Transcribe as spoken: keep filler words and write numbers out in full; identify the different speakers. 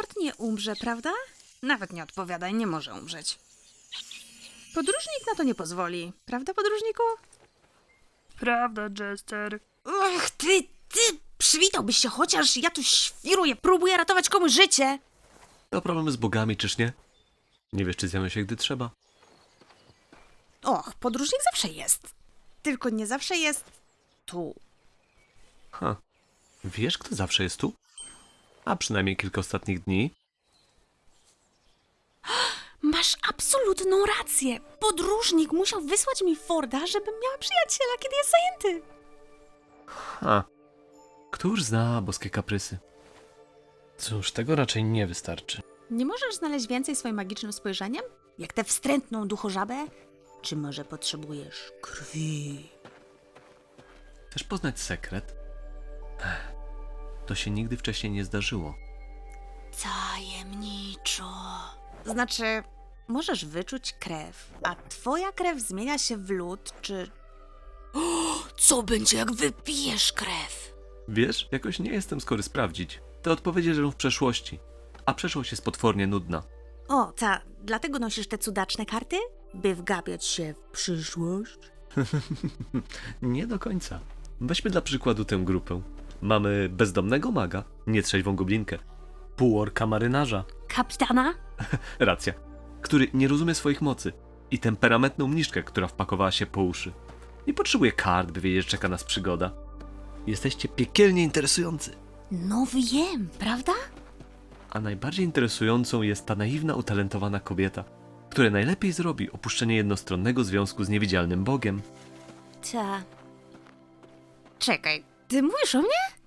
Speaker 1: Ford nie umrze, prawda? Nawet nie odpowiadaj, nie może umrzeć. Podróżnik na to nie pozwoli, prawda, podróżniku?
Speaker 2: Prawda, Jester.
Speaker 1: Ach, ty, ty, przywitałbyś się chociaż, ja tu świruję, próbuję ratować komuś życie.
Speaker 3: To problem z bogami, czyż nie? Nie wiesz, czy zjawią się, gdy trzeba.
Speaker 1: Och, podróżnik zawsze jest. Tylko nie zawsze jest tu.
Speaker 3: Ha. Wiesz, kto zawsze jest tu? A przynajmniej kilka ostatnich dni.
Speaker 1: Masz absolutną rację. Podróżnik musiał wysłać mi Forda, żebym miała przyjaciela, kiedy jest zajęty.
Speaker 3: Ha. Któż zna boskie kaprysy?
Speaker 2: Cóż, tego raczej nie wystarczy.
Speaker 1: Nie możesz znaleźć więcej swoim magicznym spojrzeniem? Jak tę wstrętną duchożabę? Czy może potrzebujesz krwi?
Speaker 3: Chcesz poznać sekret? Ech, to się nigdy wcześniej nie zdarzyło.
Speaker 1: Tajemniczo. Znaczy, możesz wyczuć krew, a twoja krew zmienia się w lód, czy... O, co będzie, jak wypijesz krew?
Speaker 3: Wiesz, jakoś nie jestem skory sprawdzić. Te odpowiedzi leżą w przeszłości, a przeszłość jest potwornie nudna.
Speaker 1: O, ta, dlatego nosisz te cudaczne karty? By wgapiać się w przyszłość?
Speaker 3: Nie do końca. Weźmy dla przykładu tę grupę. Mamy bezdomnego maga, nietrzeźwą goblinkę.
Speaker 2: Półorka marynarza.
Speaker 1: Kapitana?
Speaker 3: Racja. Który nie rozumie swoich mocy. I temperamentną mniszkę, która wpakowała się po uszy. Nie potrzebuje kart, by wiedzieć, że czeka nas przygoda. Jesteście piekielnie interesujący.
Speaker 1: No wiem, prawda?
Speaker 3: A najbardziej interesującą jest ta naiwna, utalentowana kobieta, która najlepiej zrobi opuszczenie jednostronnego związku z niewidzialnym Bogiem.
Speaker 1: Ta. Czekaj, ty mówisz o mnie?